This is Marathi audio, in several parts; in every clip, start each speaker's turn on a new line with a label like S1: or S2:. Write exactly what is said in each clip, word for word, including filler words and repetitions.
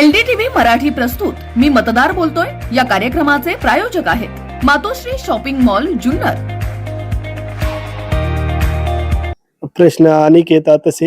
S1: एलडीटीव्ही मराठी प्रस्तुत मी मतदार बोलतोय या कार्यक्रमाचे प्रायोजक आहेत मातोश्री शॉपिंग मॉल जुन्नर।
S2: प्रश्न अनेक येतात तसे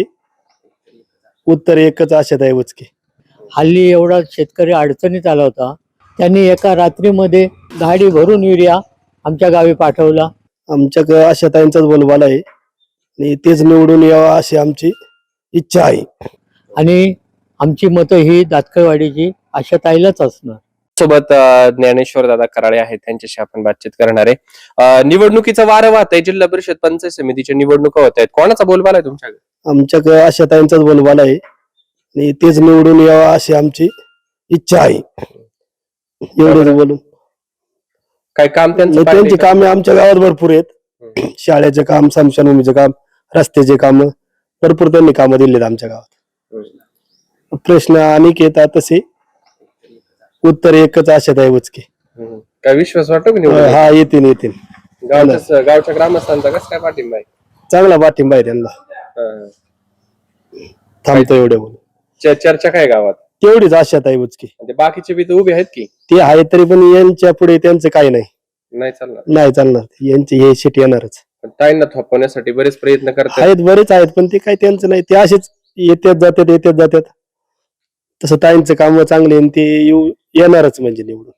S2: उत्तर एकच आशाताई बुचके।
S3: हल्ली एवढा शेतकरी अडचणीत आला होता, त्यांनी एका रात्रीमध्ये गाडी भरून युरिया आमच्या गावी पाठवला।
S2: आमच्याकडे आशाताईंचाच बोलबाला आहे आणि तेच निवडून यावं अशी आमची इच्छा आहे
S3: आणि आमची मतं ही दातकळवाडीची आशाताईलाच असणार।
S4: सोबत अ, ज्ञानेश्वर दादा कराळे आहेत, त्यांच्याशी आपण बातचीत करणार आहे। अ, निवडणुकीचं वारं वाहत आहे, जिल्हा परिषद पंचायत समितीच्या निवडणुका होत आहेत, कोणाचा बोलबाला आहे तुमच्याकडे?
S2: आमच्याकडे आशाताईंचाच बोलबाला आहे आणि तेच निवडून यावं अशी आमची इच्छा आहे। एवढंच बोलून
S4: काय काम त्यांचं
S2: नाही,
S4: पाहिलंय
S2: त्यांची
S4: का?
S2: कामे आमच्या गावात भरपूर आहेत। शाळेचे काम, स्मशानभूमीचे काम, रस्त्याचे काम भरपूर त्यांनी कामं दिलेत आमच्या गावात। प्रश्न अनेक येतात तसे उत्तर एकच आशाताई बुचके।
S4: हम्म. काय विश्वास वाटतो की निवडून
S2: हा येतील येतील
S4: गावच्या गावच्या ग्रामस्थांचा कसं काय पाठिंबा आहे?
S2: चांगला पाठिंबा आहे त्यांना।
S4: अ,
S2: थांबतो एवढे बोलून
S4: च- चर्चा काय गावात?
S2: तेवढीच आशाताई बुचके।
S4: म्हणजे बाकीचे बी तर उभे आहेत की
S2: ते आहे तरी पण यांच्या पुढे त्यांचं काही नाही
S4: नाही चालणार?
S2: नाही चालणार, यांची हे सीट येणारच
S4: पण ताईंना थोपवण्यासाठी बरेच प्रयत्न करतात।
S2: आहेत, बरेच आहेत पण ते काही त्यांचं नाही, ते असेच येतात जातात येतात जातात। तसं ताईंचं काम चांगले आणि ते येऊ येणारच म्हणजे निवडून।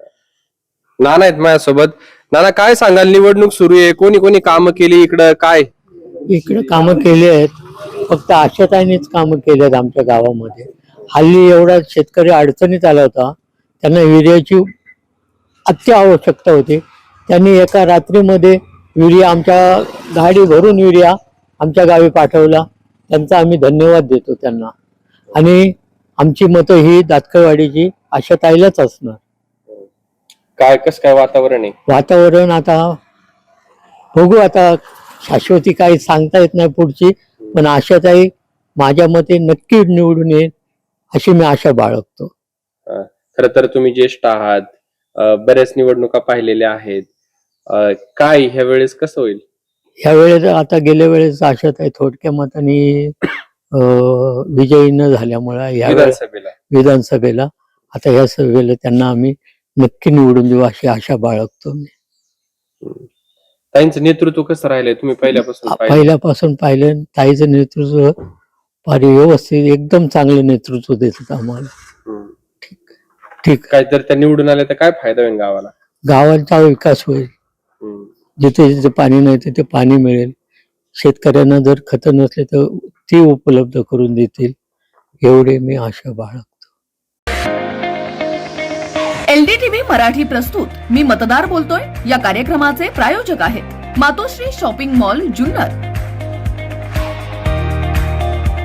S4: नाना आहेत माझ्यासोबत। नाना, काय सांगाल? निवडणूक सुरू आहे, कोणी कोणी कामं केली इकडं? काय
S3: इकडे कामं केली आहेत, फक्त आशाताईंनीच कामं केली आहेत आमच्या गावामध्ये। हल्ली एवढा शेतकरी अडचणीत आला होता, त्यांना युरियाची अत्यावश्यकता होती, त्यांनी एका रात्रीमध्ये युरिया आमच्या गाडी भरून युरिया आमच्या गावी पाठवला, त्यांचा आम्ही धन्यवाद देतो त्यांना। आणि आमची मतं ही दातकळवाडीची आशाताईलाच असणार।
S4: काय कसं काय वातावरण आहे?
S3: वातावरण आता बघू, आता शाश्वती काही सांगता येत नाही पुढची, पण आशाताई माझ्या मते नक्की निवडून येईल अशी मी आशा बाळगतो।
S4: खर तर तुम्ही ज्येष्ठ आहात, अ, बऱ्याच निवडणुका पाहिलेल्या आहेत, अ, काय ह्या वेळेस कसं होईल?
S3: ह्या वेळेस आता गेल्या वेळेस आशाताई थोडक्या मताने अं, विजयी न झाल्यामुळे या वेळेस
S4: विधानसभेला
S3: विधानसभेला आता ह्या सभेला त्यांना आम्ही नक्की निवडून देऊ अशी आशा बाळगतो मी।
S4: ताईंचं नेतृत्व कसं राहिलंय तुम्ही पहिल्यापासून पाहिलं?
S3: पहिल्यापासून पाहिलं, ताईचं नेतृत्व फार व्यवस्थित एकदम चांगलं नेतृत्व देतात आम्हाला।
S4: हम्म.
S3: ठीक,
S4: काय तर त्या निवडून आल्या तर काय फायदा होईल गावाला?
S3: गावांचा विकास होईल,
S4: हम्म.
S3: जिथे जिथे पाणी नाही तिथे पाणी मिळेल, शेतकऱ्यांना जर खतं नसले तर ती उपलब्ध करून देतील, एवढे मी आशा बाळगतो।
S1: एलडीटीव्ही मराठी प्रस्तुत मी मतदार बोलतोय या कार्यक्रमाचे प्रायोजक आहेत मातोश्री शॉपिंग मॉल जुन्नर।